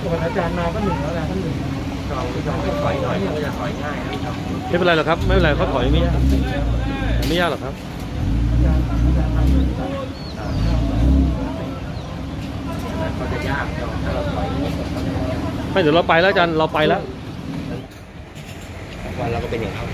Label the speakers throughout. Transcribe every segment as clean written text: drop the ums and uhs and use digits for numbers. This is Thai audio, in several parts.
Speaker 1: ส่วนอาจารย์มาก็หนึ่งแล้วนะท่านหนึ่งเราไปถอยหน่อยก็จะถอยง่ายไม่
Speaker 2: เป็นไรหรอกครับไม่เป็นไรเขาถอยไม่ยากไม่ยากหรอกครับ
Speaker 1: เขาจะยากถ้าเราถอย
Speaker 2: ไม่เดี๋ยวเราไปแล้วอาจารย์เราไปแล้ว
Speaker 1: วันเราก็เป็นอย่างเขา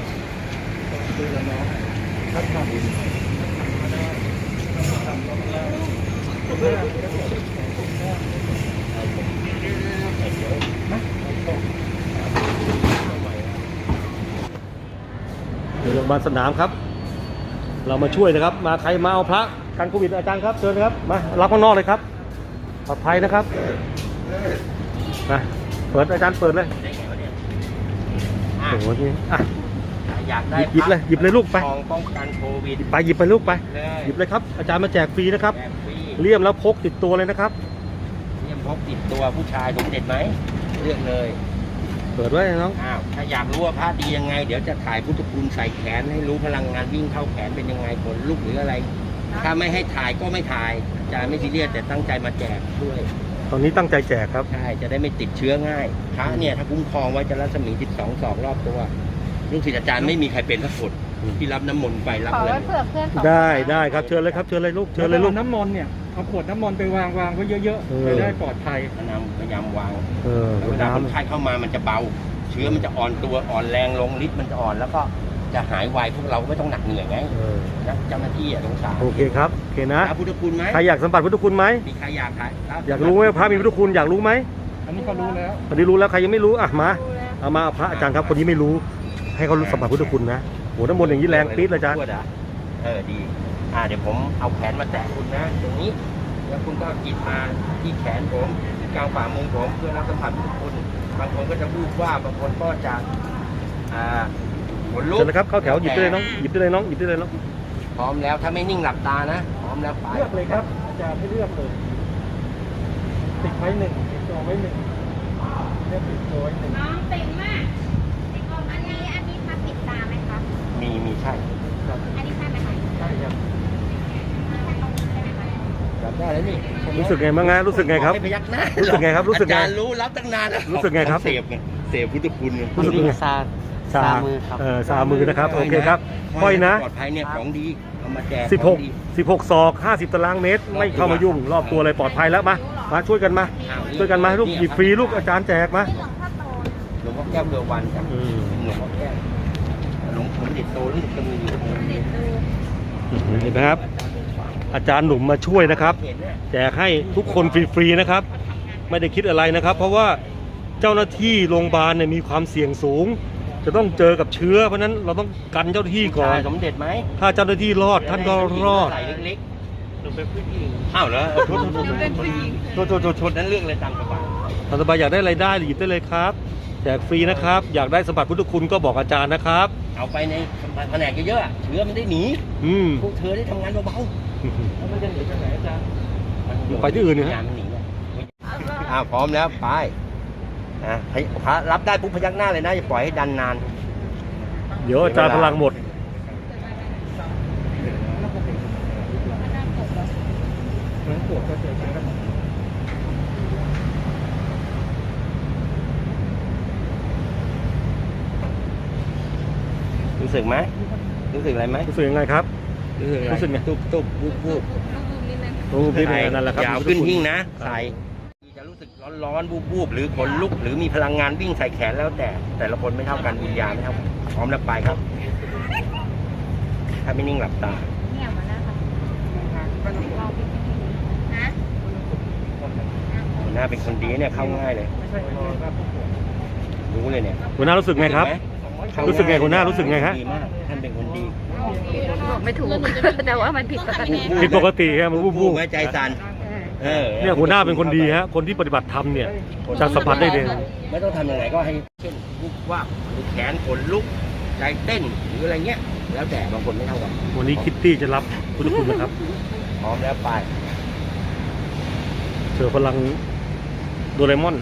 Speaker 2: เดี๋ยวโรงพยาบาลสนามครับ เรามาช่วยนะครับมาใครมาเอาพระกันโควิดอาจารย์ครับเชิญครับมารับข้างนอกเลยครับปลอดภัยนะครับมาเปิดอาจารย์เปิดเลยโอ้โหนี่อ่ะ
Speaker 1: อยากได้
Speaker 2: หยิบเลยลูกไป
Speaker 1: ป้องกันโควิด
Speaker 2: ไปหยิบไปลูกไปหยิบเลยครับอาจารย์มาแจกฟรีนะครับเลี่ยมแล้วพกติดตัวเลยนะครับ
Speaker 1: เลี่ยมพกติดตัวผู้ชายสมเด็จไหมเลือกเลย
Speaker 2: เปิดไว้น้อง
Speaker 1: ถ้าอยากรู้ว่าพระดียังไงเดี๋ยวจะถ่ายพุทธคุณใส่แขนให้รู้พลังงานวิ่งเข้าแขนเป็นยังไงขนลุกหรืออะไรถ้าไม่ให้ถ่ายก็ไม่ถ่ายอาจารย์ไม่ซีเรียสแต่ตั้งใจมาแจกด้วย
Speaker 2: ตอนนี้ตั้งใจแจกครับ
Speaker 1: ใช่จะได้ไม่ติดเชื้อง่ายพระเนี่ยถ้าคุ้มครองไว้จะรัศมี12 ศอกรอบตัวลูกศิษย์อาจารย์ไม่มีใครเป็นสักคนที่รับน้ำมนต์ไปรับเลย
Speaker 2: ได้ครับเชิญเลยครับเชิญเลยลูกเชิญเลยลูก
Speaker 3: น้ำมนต์เนี่ยเอาขวดน้ำมนต์ไปวางไว้เยอะๆจะได้ปลอดภัย
Speaker 1: พยายามวางเวลาคนไข้เข้ามามันจะเบาเชื้อมันจะอ่อนตัวอ่อนแรงลงฤทธิ์มันจะอ่อนแล้วก็จะหายไวพวกเราไม่ต้องหนักเหนื่อยไงนะเจ้าหน้าที่สงสาร
Speaker 2: โอเคครับโอเคนะ
Speaker 1: พุทธคุณไหม
Speaker 2: ใครอยากสัมผัสพุทธคุณไหม
Speaker 1: มีใครอยากถ่าย
Speaker 2: อยากรู้ไหมพระมีพุทธคุณอยากรู้ไหม
Speaker 3: อันนี้เขารู้แล้ว
Speaker 2: อันนี้รู้แล้วใครยังไม่รู้อ่ะมาเอามาพระอาจารย์ครับคนนี้ไม่รู้ให้เขารู้สัมผัสพุทธคุณนะโหน้ำมนต์อย่างนี้แรงปี๊ดเลยอาจารย์
Speaker 1: ดีเดี๋ยวผมเอาแขนมาแตะคุณนะตรงนี้แล้วคุณก็จิตมาที่แขนผมกลางฝ่ามือผมเพื่อรับสัมผัสพุทธคุณบางคนก็จะพูดว่าบางคนก็จะขนลุก
Speaker 2: เชิญนะครับเข้าแถวหยิบได้เลยน้องหยิบได้เลยน้องหยิบได้เลยน้อง
Speaker 1: พร้อมแล้วถ้าไม่นิ่งหลับตานะพร้อมแล้วไป
Speaker 3: เลือกเลยครับอาจารย์ให้เลือกเลยติดไว้หนึ่งติดตัวไว้หนึ่งเลือกติดตัวไว้หนึ่ง
Speaker 4: น้องเต็มมากติดตัวอันนี้พักปิดตาไหมครับ
Speaker 1: มีใช่
Speaker 4: อันนี้ใช่ไหมคะ
Speaker 3: ใช่ครับ
Speaker 1: รับได้แล้วนี่
Speaker 2: รู้สึกไงบ้างฮะรู้สึกไงครับ
Speaker 1: ไม่พยักหน้า
Speaker 2: รู้สึกไงครับรู้สึกไง
Speaker 1: อาจารย์รู้รับตั้งนาน
Speaker 2: รู้สึกไงครับ
Speaker 1: เสพพุทธคุณ
Speaker 2: รู้สึกไงซามือครับซามือนะครับโอเคครับค่อยนะ
Speaker 1: ปลอดภัยเนี่ยของดีเอามาแจก
Speaker 2: 16 ศอก50 ตารางเมตรไม่เข้ามายุ่งรอบตัวเลยปลอดภัยแล้วมาช่วยกันมาลูกหยิบฟรีลูกอาจารย์แจกมา
Speaker 1: หลวงพ่อแก้วเรือวันครับหลวงพ่อแก้วหลวงปู่เด็ดโตนี่จะมีอยู่
Speaker 2: เห็นไหมครับอาจารย์หนุ่มมาช่วยนะครับแจกให้ทุกคนฟรีๆนะครับไม่ได้คิดอะไรนะครับเพราะว่าเจ้าหน้าที่โรงพยาบาลเนี่ยมีความเสี่ยงสูงจะต้องเจอกับเชื้อเพราะนั้นเราต้องกันเจ้าหน้าที่ก่อน
Speaker 1: สมเด็จไหม
Speaker 2: ถ้าเจ้าหน้าที่รอดท่านก็รอด
Speaker 1: เล็กๆเป็นผู้หญิงอ้าวเหรอชดนั้นเรื่องอะไรตาม
Speaker 2: สบายอยากได้อะไรได้หยิบได้เลยครับแจกฟรีนะครับอยากได้สัมผัสพุทธคุณก็บอกอาจารย์นะครับ
Speaker 1: เอาไปในแผนกเยอะๆเชื้อมันได้หนีพวกเธอได้ทำงานเบาๆ
Speaker 3: แล้วมันจะหนีไปไหนอาจารย์
Speaker 2: ไปที่อื่นเนี่ยฮะ
Speaker 1: พร้อมแล้วไปพระรับได้ปุ๊บพยักหน้าเลยนะอย่าปล่อยให้ดันนาน
Speaker 2: เดี๋ยวอาจารย์พลังหมด
Speaker 1: รู้สึกไหมรู้สึกอะไรไหม
Speaker 2: รู้สึกยังไงครับรู้สึกไง
Speaker 1: ตุ๊บ
Speaker 2: นั่นแหละครับ
Speaker 1: อย่าขึ้นหิ้งนะใส่จะรู้สึกร้อนบูบหรือขนลุกหรือมีพลังงานวิ่งใส่แขนแล้วแต่ละคนไม่เท่ากันวิญญาณไม่เท่ากันพร้อมแล้วไปครับถ้าไม่นิ่งหลับตา
Speaker 4: เนี่ยมาแล้วค่ะ
Speaker 1: หัวหน้าเป็นคนดีเนี่ยเข้าง่ายเลยรู้เลยเนี่ย
Speaker 2: หัวหน้ารู้สึกไงครับรู้สึกไงหัวหน้ารู้สึกไงฮะ
Speaker 1: ดีมากท่านเป็นคนดี
Speaker 4: บอกไม่ถูกแต่ว่ามันผิดปก
Speaker 2: ติครับมันวูบ
Speaker 1: ไว้ใจสั่น
Speaker 2: เนี่ยหัวหน้าเป็นคนดีฮะคนที่ปฏิบัติธรรมเนี่ยจะสัมผัสได้เลย
Speaker 1: ไม่ต้องทำยังไงก็ให้เช่นลุกว่าแขนขนลุกใจเต้นหรืออะไรเงี้ยแล้วแต่บางคนไม่เท่ากัน
Speaker 2: วันนี้คิตตี้จะรับพุทธคุณนะครับ
Speaker 1: พร้อมแล้วไป
Speaker 2: เจอพลังโดเรมอน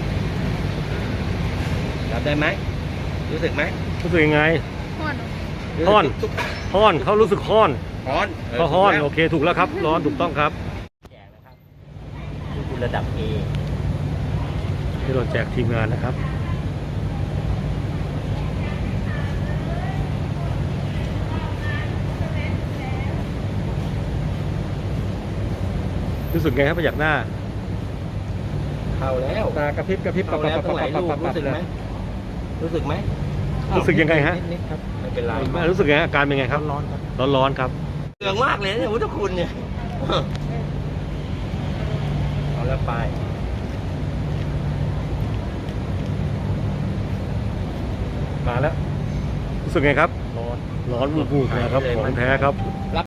Speaker 1: รับได้ไหมรู้สึกไหม
Speaker 2: รู้สึกยังไงฮ้อนฮ้อนเขารู้สึกฮ้อน
Speaker 1: ฮ้อน
Speaker 2: เขาฮ้อนโอเคถูกแล้วครับร้อนถูกต้องครับ
Speaker 1: แจกนะครับนี่คือระดับ A
Speaker 2: ที่เราแจกทีมงานนะครับรู้สึกไงครับประหยักหน้า
Speaker 1: เข้าแล้ว
Speaker 3: ตากระพริบกระพริบ
Speaker 1: เข้าแล้วตั้งหลายรูปรู้สึกไหมรู้สึกไหม
Speaker 2: รู้สึกยังไงฮะ
Speaker 3: นิดๆครับ
Speaker 1: ไม่เป็นไร
Speaker 2: รู้สึกไงอาการเป็นไงครับ
Speaker 3: ร้อนๆครับ
Speaker 2: ร้อนๆครับ
Speaker 1: เรื่องมากเลยเนี่ยพุทธคุณเนี่ยเอาแล้วไป
Speaker 2: มาแล้วรู้สึกไงครับ
Speaker 1: ร้อน
Speaker 2: ร้อนวูบๆนะครับของแท้ครับ